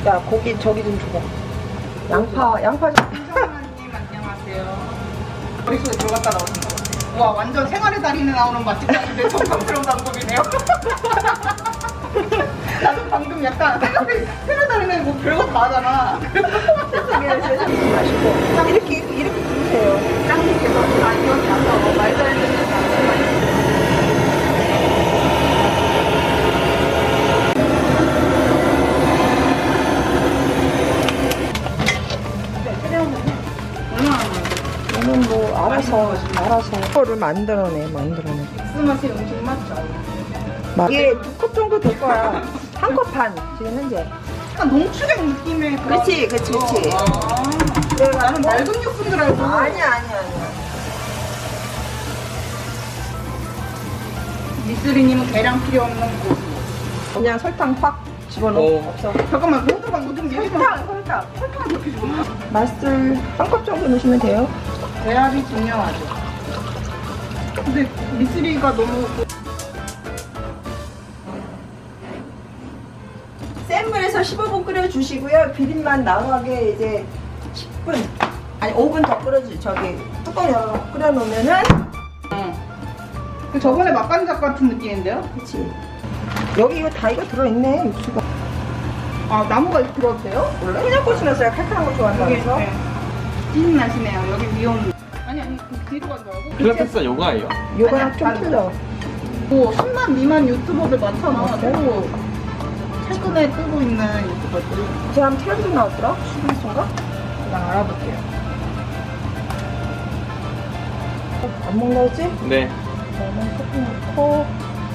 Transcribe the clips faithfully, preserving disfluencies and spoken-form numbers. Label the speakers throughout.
Speaker 1: 야 고기 저기 좀 줘봐. 양파 양파 좀.
Speaker 2: 김정아님 안녕하세요. 머릿속에 들어갔다 나오신 거 같아요. 와 완전 생활의 달인에 나오는 맛집장인데 정성스러운 방법이네요. 나도 방금 약간 생활의 생활의 달인에 뭐 별것 다 하잖아.
Speaker 1: 세상에 세상에 맛있고 이렇게 이렇게 드세요.
Speaker 2: 짱님께서 다 기억이 안 나고 말도 안 되는 말씀만
Speaker 1: 저는 뭐 알아서 알아서 거를 만들어내 만들어내.
Speaker 2: 엑스맛의 음식 맞죠?
Speaker 1: 막 이게 두 컵 정도 될 거야. 한 컵 반 지금 현재.
Speaker 2: 약간 농축액 느낌의 그런-
Speaker 1: 그렇지 그렇지 그렇지.
Speaker 2: 아,
Speaker 1: 내가
Speaker 2: 나는 맑은 육수인 줄 알고.
Speaker 1: 아니야 아니야 아니야.
Speaker 2: 미쓰리님은 계량 필요 없는 고수.
Speaker 1: 그냥 설탕 확 집어넣어.
Speaker 3: 어.
Speaker 1: 없어.
Speaker 2: 잠깐만 모두가 모두 얘기 좀.
Speaker 1: 설탕 설탕.
Speaker 2: 설탕 이렇게 집어넣어.
Speaker 1: 맛술 한 컵 정도 넣으시면 돼요.
Speaker 2: 배합이 중요하죠. 근데 미쓰리가 너무
Speaker 1: 센 물에서 십오 분 끓여주시고요. 비린맛 나오게 이제 십 분 아니 오 분 더 끓여주 저기 뚜껑 열어 끓여놓으면은
Speaker 2: 그 저번에 맛간장 같은 느낌인데요?
Speaker 1: 그렇지. 여기 이거 다 이거 들어있네 육수가.
Speaker 2: 아 나무가 이렇게 들어도 돼요?
Speaker 1: 원래 그냥 꽂으면서 칼칼한 거 좋아한다면서.
Speaker 2: 네. 찐 나시네요. 여기 위험. 아니 아니 그 뒤로 간 줄 알고.
Speaker 3: 필라테스가 요가예요?
Speaker 1: 요거랑
Speaker 2: 아니야,
Speaker 1: 좀
Speaker 2: 다르죠.
Speaker 1: 틀려.
Speaker 2: 뭐 십만 미만 유튜버들 많잖아.
Speaker 1: 맞아요.
Speaker 2: 또 최근에 뜨고 있는 유튜버들이.
Speaker 1: 그 사람 텔레비전 나왔더라? 수빈수인가?
Speaker 2: 그냥 알아볼게요.
Speaker 1: 안 먹나 보지?
Speaker 3: 네.
Speaker 1: 그러면 조금 넣고.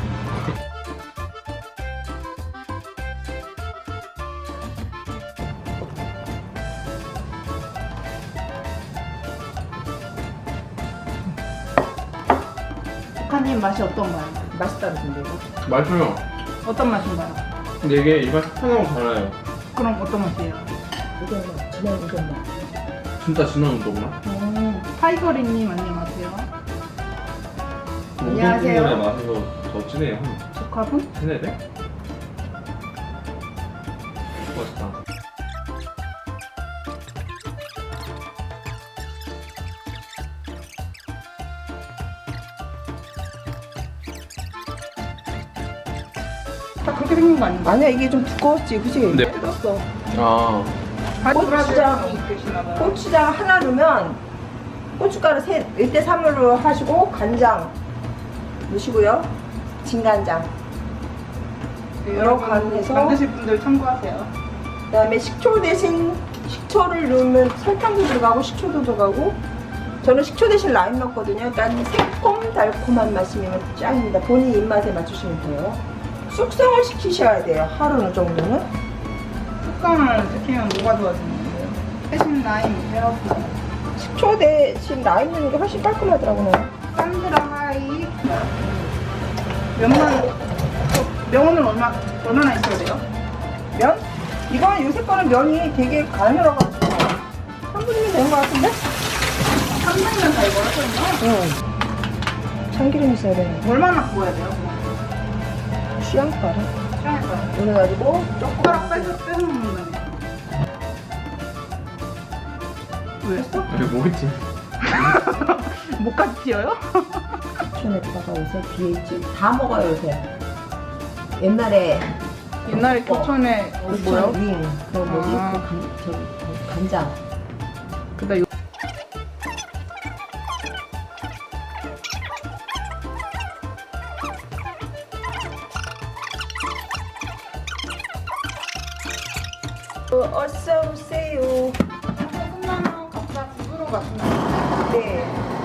Speaker 2: 북한님 맛이 어떤가요?
Speaker 1: 맛있다는데 이거.
Speaker 3: 맛있어요.
Speaker 2: 어떤 맛인가요?
Speaker 3: 근데 이게 일반 사탕하고 달라요.
Speaker 2: 그럼 어떤 맛이에요?
Speaker 1: 우동맛, 진한 우동맛.
Speaker 3: 진짜 진한 우동맛?
Speaker 1: 음.
Speaker 2: 타이거리님 안녕하세요.
Speaker 1: 안녕하세요.
Speaker 3: 우동국물의 맛에서 더 진해요. 한
Speaker 2: 조카분?
Speaker 3: 세네 배? 맛있다.
Speaker 2: 다 그렇게 생긴 거 아닌가?
Speaker 1: 아니야 이게 좀 두꺼웠지 그치?
Speaker 3: 네.
Speaker 1: 뜯었어.
Speaker 3: 아.
Speaker 2: 고추장 드시나봐요.
Speaker 1: 고추장 하나 넣으면 고춧가루 세, 일 대 삼으로 하시고 간장 넣으시고요. 진간장. 여러 간 해서
Speaker 2: 만드실 분들 참고하세요.
Speaker 1: 그 다음에 식초 대신 식초를 넣으면 설탕도 들어가고 식초도 들어가고 저는 식초 대신 라임 넣거든요. 약간 새콤 달콤한 맛이면 짱입니다. 본인 입맛에 맞추시면 돼요. 숙성을 시키셔야 돼요. 하루 정도는.
Speaker 2: 숙성을 시키면 뭐가 좋아지는데요? 대신 라임 헤어프
Speaker 1: 식초 대신 라임 넣는 게 훨씬 깔끔하더라고요.
Speaker 2: 산드라 하이 면만 저 면은 얼마 얼마나 있어야 돼요?
Speaker 1: 면? 이건 요새 거는 면이 되게 가늘어가지고 삼 분이면 되는 것 같은데?
Speaker 2: 삼 분이면 다 이거 하셨나?
Speaker 1: 응. 참기름 있어야 되는데.
Speaker 2: 얼마나 구워야 돼요?
Speaker 1: 취향 따라.
Speaker 2: 시간에 따라.
Speaker 1: 그래가지고
Speaker 2: 젓가락 빼서 빼서 먹는다네. 왜 했어?
Speaker 3: 왜 뭐겠지?
Speaker 2: 목까지 튀어요?
Speaker 1: 교촌에다가 요새 비에이치 다 먹어요 요새. 옛날에
Speaker 2: 옛날에 교촌에 어, 뭐요?
Speaker 1: 윙 그 뭐지?
Speaker 2: 아.
Speaker 1: 그 간, 저기 그 간장.
Speaker 2: 그다 요
Speaker 1: 어, 어서 오세요.
Speaker 2: 끝나면 각자 집으로 가시면
Speaker 1: 네.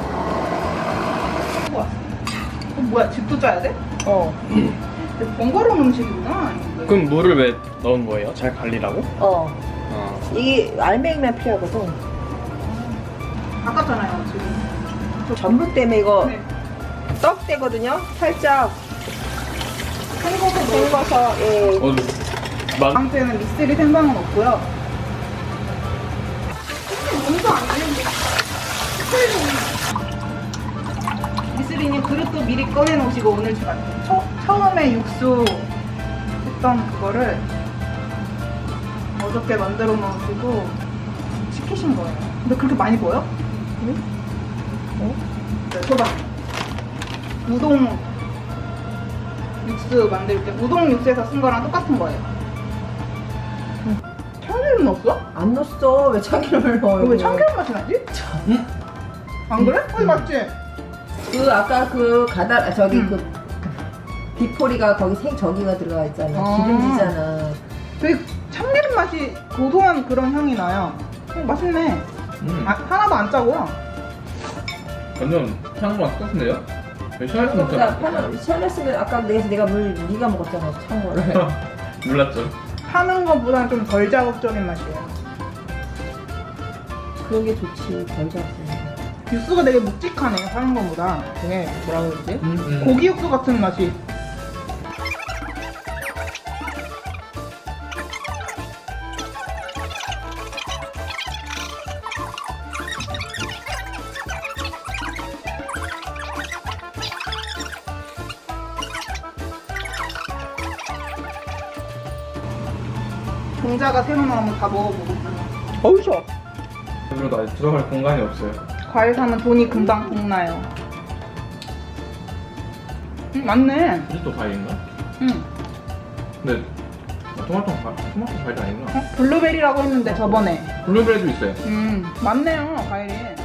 Speaker 2: 하고 왔어. 어, 뭐야 집도 짜야 돼?
Speaker 1: 어.
Speaker 2: 근데 번거로운 음식이구나.
Speaker 3: 그럼 물을 왜 넣은 거예요? 잘 갈리라고?
Speaker 1: 어.
Speaker 3: 아.
Speaker 1: 이게 알맹이만 필요하거든.
Speaker 2: 아깝잖아요 지금.
Speaker 1: 전분 때문에 이거
Speaker 2: 네.
Speaker 1: 떡 되거든요. 살짝
Speaker 2: 헹궈서 넣어.
Speaker 1: 헹궈서 예.
Speaker 3: 어, 만,
Speaker 2: 방때는 미쓰리 생방은 없고요. 몸도 안 되는데. 미쓰리님 그릇도 미리 꺼내 놓으시고 오늘 제가 처, 처음에 육수 했던 그거를 어디 어저께 만들어 놓으시고 시키신 거예요. 근데 그렇게 많이 보여?
Speaker 1: 응? 어?
Speaker 2: 네, 줘봐. 우동 육수 만들 때 우동 육수에서 쓴 거랑 똑같은 거예요.
Speaker 1: 응.
Speaker 2: 참기름 넣었어?
Speaker 1: 안 넣었어. 왜 참기름을 넣어요?
Speaker 2: 왜 참기름 맛이 나지? 안 그래? 어, 맞지?
Speaker 1: 그 아까 그 가다 아, 저기
Speaker 2: 응.
Speaker 1: 그 디포리가 거기 생 저기가 들어가 있잖아.
Speaker 2: 아.
Speaker 1: 기름지잖아.
Speaker 2: 되게 참기름 맛이 고소한 그런 향이 나요. 어, 맛있네.
Speaker 3: 음.
Speaker 2: 아, 하나도 안 짜고요.
Speaker 3: 완전 향만 똑같은데요? 왜 시원했으면
Speaker 1: 생각보다
Speaker 3: 좋겠다.
Speaker 1: 파는 시원했으면 아까 내가 내가 물 네가 먹었잖아. 참고를.
Speaker 3: 몰랐죠.
Speaker 2: 파는 것보다는 좀 덜 자극적인 맛이에요.
Speaker 1: 그런 게 좋지. 덜 잡지.
Speaker 2: 육수가 되게 묵직하네요. 파는 것보다. 되게 뭐라 그러지?
Speaker 3: 음, 음.
Speaker 2: 고기 육수 같은 맛이. 동자가 새로 나오면 다 먹어보고. 어우셔.
Speaker 3: 그리고 나 들어갈 공간이 없어요.
Speaker 2: 과일 사면 돈이 금방 복나요. 음, 맞네.
Speaker 3: 이것도 과일인가?
Speaker 2: 응.
Speaker 3: 근데 아, 토마토 과 토마토 과일이 아닌가?
Speaker 2: 어? 블루베리라고 했는데 저번에.
Speaker 3: 블루베리도 있어요.
Speaker 2: 음, 맞네요, 과일이.